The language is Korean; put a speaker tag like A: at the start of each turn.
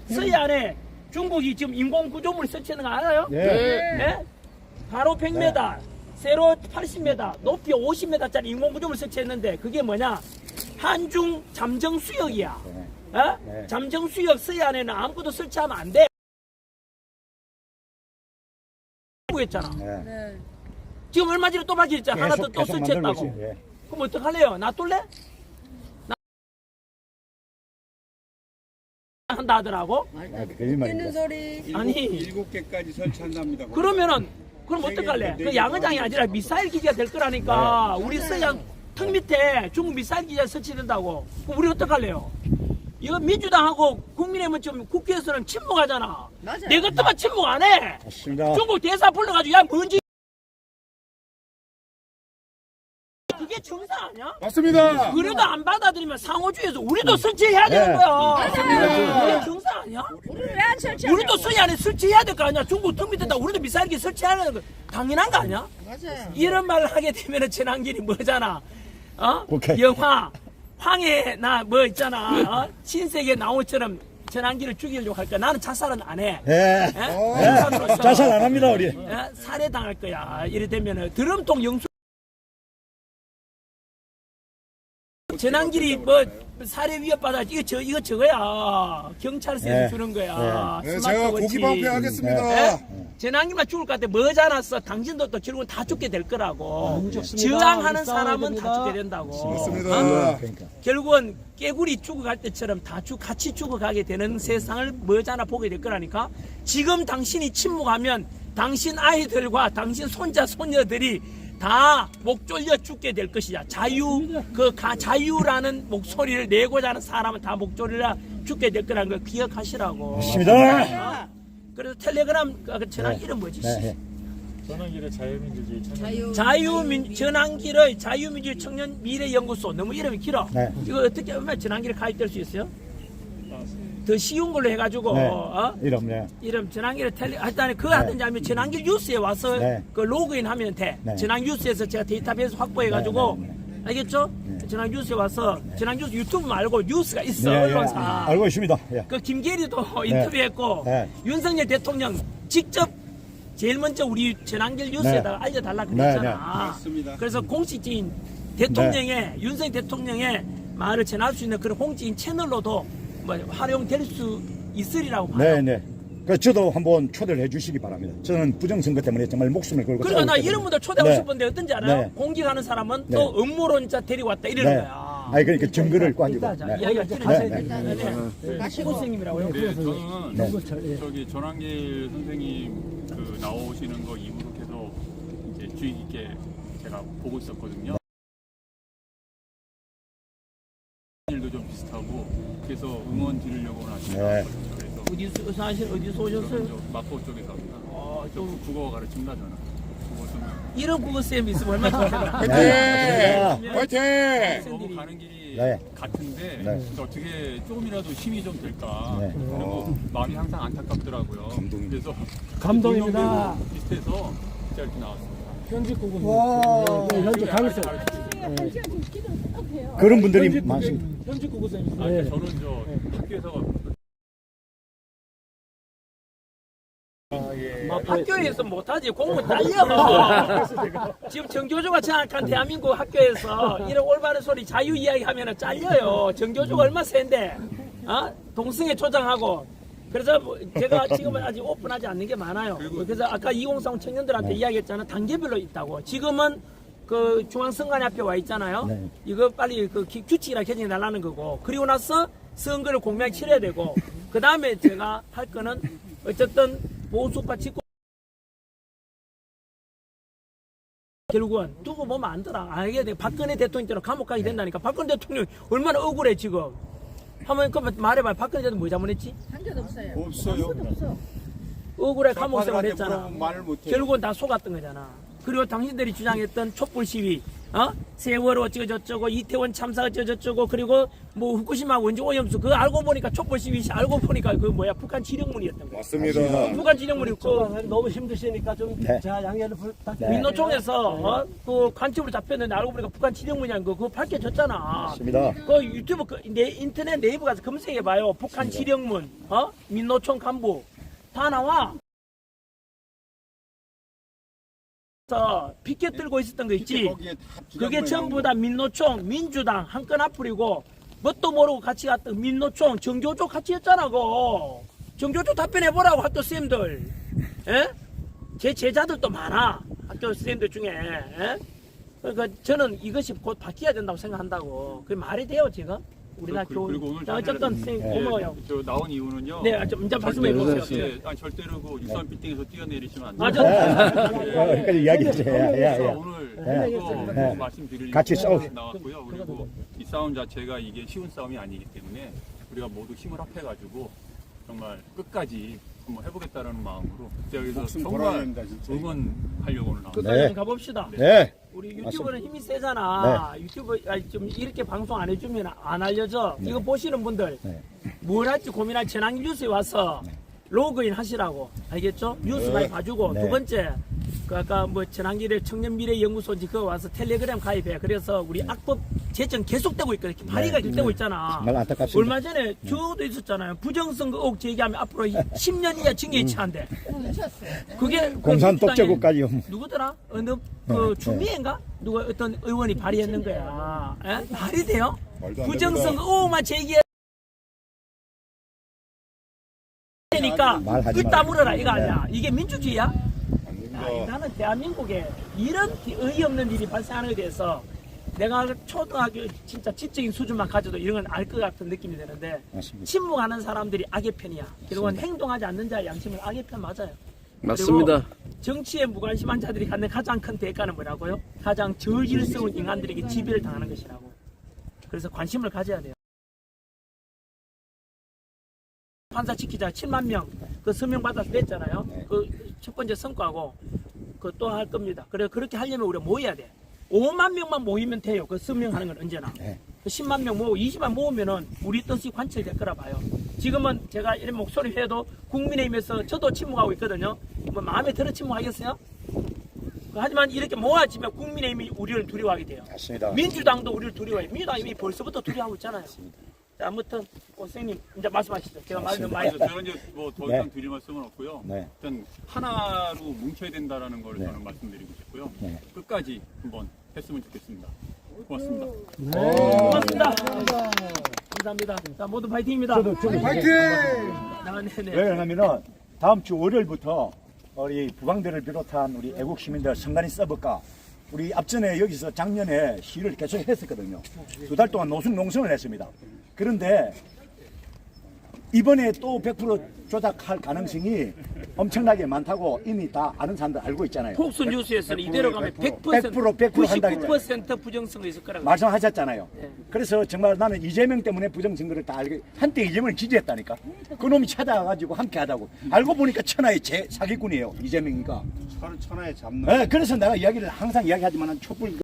A: 서해안에 중국이 지금 인공구조물 설치하는 거 알아요? 네? 바로 100m, 세로 80m, 높이 50m짜리 인공구조물 설치했는데 그게 뭐냐? 한중 잠정수역이야. 어? 잠정수역 서해안에는 아무것도 설치하면 안 돼. 했잖아. 지금 얼마 전에 또 밝혔잖아. 하나 또 설치했다고. 그럼 어떡할래요? 놔둘래? 한다 하더라고.
B: 웃기는 소리.
A: 아니
C: 7개까지 설치한답니다.
A: 그러면은 그럼 어떡할래? 그 양어장이 아니라 미사일 기지가 될 거라니까. 우리 서해안 턱 밑에 중국 미사일 기지가 설치된다고. 그럼 우리 어떡할래요? 이거 민주당하고 국민의힘은 좀 국회에서는 침묵하잖아.
B: 맞아요.
A: 내 것도만 침묵 안 해.
D: 맞습니다.
A: 중국 대사 불러가지고 야 뭔지. 그게 정상 아니야?
D: 맞습니다.
A: 그래도 안 받아들이면 상호주의에서 우리도 설치해야 되는 거야. 그게 정상 아니야?
B: 우리는 왜 안 설치하냐?
A: 우리도 서해안에 설치해야 될 거 아니야? 중국 턱 밑에다 우리도 미사일기 설치해야 되는 거 당연한 거 아니야?
B: 맞아요.
A: 이런 말을 하게 되면은 전환길이 뭐잖아? 어?
D: 오케이.
A: 영화 황해 나 뭐 있잖아? 어? 신세계 나오처럼 전환길을 죽이려고 할까? 나는 자살은 안 해.
D: 예.
A: 인간으로서
D: 자살 안 합니다, 우리.
A: 살해당할 거야. 이래 되면은 드럼통 영수 전환길이 뭐 살해 위협받아 이거 저거야. 경찰서에서 주는 거야.
E: 네, 제가 고기 방패하겠습니다.
A: 전환길만 죽을 것 같아. 머지않았어. 당신도 또 결국은 다 죽게 될 거라고. 저항하는 사람은 다 죽게 된다고.
E: 맞습니다.
A: 결국은 깨구리 죽어갈 때처럼 다 같이 죽어가게 되는 세상을 머지않아 보게 될 거라니까. 지금 당신이 침묵하면 당신 아이들과 당신 손자 손녀들이 다 목 졸려 죽게 될 것이야. 자유라는 목소리를 내고자 하는 사람은 다 목 졸려 죽게 될 거라는 걸 기억하시라고.
D: 맞습니다.
A: 그래서 텔레그램 전환 이름 뭐지?
F: 전환길의 자유민주주의
A: 전환길의 자유민주주의 청년 미래연구소. 너무 이름이 길어.
D: 네.
A: 이거 어떻게 하면 전환길에 가입될 수 있어요? 더 쉬운 걸로 해가지고
D: 네.
A: 어? 이름 전환길에 일단 그거 하든지 아니면 전환길 뉴스에 와서 그 로그인 하면 돼. 전환 뉴스에서 제가 데이터베이스 확보해가지고 알겠죠? 전환 뉴스에 와서 전환 뉴스 유튜브 말고 뉴스가 있어. 언론사.
D: 알고 있습니다.
A: 그 김계리도 인터뷰했고 윤석열 대통령 직접 제일 먼저 우리 전환길 뉴스에다가 알려달라 그랬잖아.
C: 맞습니다.
A: 그래서 공식적인 대통령의 윤석열 대통령의 말을 전할 수 있는 그런 공식적인 채널로도 뭐 활용될 수 있으리라고 봐요.
D: 네. 그 저도 한번 초대를 해주시기 바랍니다. 저는 부정선거 때문에 정말 목숨을 걸고.
A: 그러니까 나 이런 분들 초대하고 싶은데 어떤지 알아요?
D: 네.
A: 공격하는 사람은 또 음모론자 데리고 왔다 이러는 거야.
D: 아니 그러니까 증거를 가지고.
A: 이야기가 들어가셔야 선생님이라고요?
F: 네, 저는 저기 전환길 선생님 그 나오시는 거 이후로 계속 이제 주의 깊게 제가 보고 있었거든요. 일도 좀 비슷하고 그래서 응원 드리려고 하시더라고요. 그래서
A: 어디서 오셨어요?
F: 저 마포 쪽에서 합니다. 저
A: 좀
F: 국어 가르칩니다 저는. 국어 좀
A: 이런 국어쌤 있으면 얼마나 좋겠나.
E: 화이팅!
F: 너무 가는 길이
D: 네.
F: 같은데
D: 네.
F: 어떻게 조금이라도 힘이 좀 될까.
D: 네.
F: 그리고 마음이 항상 안타깝더라고요. 그래서
G: 감동입니다.
F: 비슷해서 진짜 이렇게 나왔습니다.
G: 현직 구구선. 현직 강의생.
D: 그런 분들이 많습니다.
G: 현직 구구선.
F: 저는 저 학교에서
A: 학교에서 못하지. 공부 딸려. 지금 정교조가 장악한 대한민국 학교에서 이런 올바른 소리 자유 이야기하면 잘려요. 정교조가 얼마나 센데. 동승에 초장하고. 그래서 제가 지금은 아직 오픈하지 않는 게 많아요. 그래서 아까 2030 청년들한테 이야기했잖아. 단계별로 있다고. 지금은 그 중앙선관위 앞에 와 있잖아요. 이거 빨리 그 규칙이라 개정해 달라는 거고. 그리고 나서 선거를 공명하게 치러야 되고. 그 다음에 제가 할 거는 어쨌든 보수파 집권 결국은 두고 보면 안 더라. 알게 돼. 박근혜 대통령처럼 감옥 가게 된다니까. 박근혜 대통령 얼마나 억울해 지금. 한번 그러면 말해봐. 박근혜 대통령 뭐 잘못했지?
B: 한 개도 없어요.
C: 없어요.
A: 억울해 감옥 생활 했잖아.
C: 말을 못해요.
A: 결국은 다 속았던 거잖아. 그리고 당신들이 주장했던 촛불 시위 세월호 어쩌고저쩌고 이태원 참사 어쩌고저쩌고 그리고 뭐 후쿠시마 원전 오염수 그거 알고 보니까 촛불 시위 시 알고 보니까 그 뭐야 북한 지령문이었던 거야.
E: 맞습니다.
A: 북한 지령문이 그
G: 너무 힘드시니까 좀
D: 네.
G: 자, 양해를 부탁드립니다.
A: 민노총에서 그 관측으로 잡혔는데 알고 보니까 북한 지령문이란 거 그거 밝혀졌잖아.
D: 맞습니다.
A: 그 유튜브 인터넷 네이버 가서 검색해봐요. 북한 지령문 민노총 간부 다 나와. 피켓 들고 있었던 거 있지.
C: 거기에 다
A: 그게
C: 주장만
A: 전부 다 민노총, 민주당 한 건 앞으로고 뭣도 모르고 같이 갔던 민노총, 정교조 같이 했잖아. 그 정교조 답변해보라고 학교 쌤들. 예? 제 제자들도 많아. 학교 쌤들 중에. 예? 그러니까 저는 이것이 곧 바뀌어야 된다고 생각한다고. 그게 말이 돼요 지금? 우리나라
F: 그리고 오늘
A: 자, 어쨌든 선생님 고마워요.
F: 저 나온 이유는요.
A: 네, 좀 이제 말씀해 보세요.
F: 예, 아니 절대로 그 63 빌딩에서 뛰어내리시면 안
A: 맞아.
F: 돼요.
D: 여기까지 이야기하세요.
F: 그래서 오늘 또
D: 네.
F: 말씀드릴
D: 같이 싸우-
F: 나왔고요. 그리고 이 싸움 자체가 이게 쉬운 싸움이 아니기 때문에 우리가 모두 힘을 합해가지고 정말 끝까지 한번 해보겠다는 마음으로 제가 여기서
C: 목숨 걸어야
F: 정말
C: 됩니다, 진짜.
F: 응원하려고 오늘 나왔습니다.
A: 끝까지
D: 네.
A: 좀 가봅시다.
D: 네.
A: 우리 유튜브는 힘이 세잖아. 유튜브 좀 이렇게 방송 안 해주면 안 알려져. 이거 보시는 분들
D: 네.
A: 뭘 할지 고민할 전환기 뉴스에 와서 로그인 하시라고 알겠죠? 뉴스 많이 봐주고
D: 네.
A: 두 번째 그 아까 뭐 전환기를 청년미래연구소인지 그거 와서 텔레그램 가입해. 그래서 우리 악법 제정 계속되고 있거든. 발의가 계속되고 있잖아.
D: 정말 안타깝습니다.
A: 얼마 전에 저도 있었잖아요. 부정선거 의혹 제기하면 앞으로 10년 이하 징계에 처한대. 그게
D: 공산
A: 그
D: 독재국까지요.
A: 누구더라? 어느 그
D: 네.
A: 주미인가? 누가 어떤 의원이 발의했는 거야. 에? 말이 돼요?
E: 말도 안
A: 부정선거
E: 됩니다.
A: 의혹만 제기해. 그러니까
D: 말하지
A: 끄따
D: 말아요.
A: 물어라 이거
D: 네.
A: 아니야. 이게 민주주의야?
E: 안 됩니다.
A: 나는 대한민국에 이런 어이없는 일이 발생하는 것에 대해서 내가 초등학교 진짜 지적인 수준만 가져도 이런 건 알 것 같은 느낌이 드는데
D: 맞습니다.
A: 침묵하는 사람들이 악의 편이야. 그리고 행동하지 않는 자의 양심은 악의 편 맞아요.
H: 맞습니다.
A: 그리고 정치에 무관심한 자들이 갖는 가장 큰 대가는 뭐라고요? 가장 저질스러운 인간들에게 지배를 당하는 것이라고. 그래서 관심을 가져야 돼요. 판사 지키자 7만 명 그 서명 받아서 냈잖아요. 그 첫 번째 성과고 그 또 할 겁니다. 그래 그렇게 하려면 우리가 모여야 돼. 5만 명만 모이면 돼요. 그 서명하는 건 언제나.
D: 네.
A: 그 10만 명 모으고 20만 모으면은 우리 뜻이 관철될 거라 봐요. 지금은 제가 이런 목소리 해도 국민의힘에서 저도 침묵하고 있거든요. 뭐 마음에 들어 침묵하겠어요? 하지만 이렇게 모아지면 국민의힘이 우리를 두려워하게 돼요.
D: 맞습니다.
A: 민주당도 우리를 두려워해요. 민주당이 이미 벌써부터 두려워하고 있잖아요. 자, 아무튼 선생님 이제 말씀하시죠. 제가 말 좀 많이
F: 그래서 저는 이제 뭐 더 이상
D: 네.
F: 드릴 말씀은 없고요.
D: 네.
F: 일단 하나로 뭉쳐야 된다라는 걸
D: 네.
F: 저는 말씀드리고 싶고요.
D: 네.
F: 끝까지 한번 했으면 좋겠습니다. 고맙습니다.
A: 고맙습니다. 감사합니다. 자, 모두 파이팅입니다.
E: 파이팅!
A: 아, 네네.
D: 왜 그러냐면은 다음 주 월요일부터 우리 부방대를 비롯한 우리 애국 시민들 선관위 서버가 우리 앞전에 여기서 작년에 시위를 계속 했었거든요. 2달 동안 노숙 농성을 했습니다. 그런데 이번에 또 100% 조작할 가능성이 엄청나게 많다고 이미 다 아는 사람들 알고 있잖아요.
A: 폭스 뉴스에서는 이대로 가면 100%
D: 100% 한다 했잖아요.
A: 99% 부정선거 있을 거라고.
D: 말씀하셨잖아요. 그래서 정말 나는 이재명 때문에 부정선거를 다 알고 한때 이재명을 지지했다니까. 그놈이 찾아와가지고 함께 하다고. 알고 보니까 천하의 사기꾼이에요. 이재명이가.
C: 천하에 잡는
D: 네, 그래서 내가 이야기를 항상 이야기하지만 촛불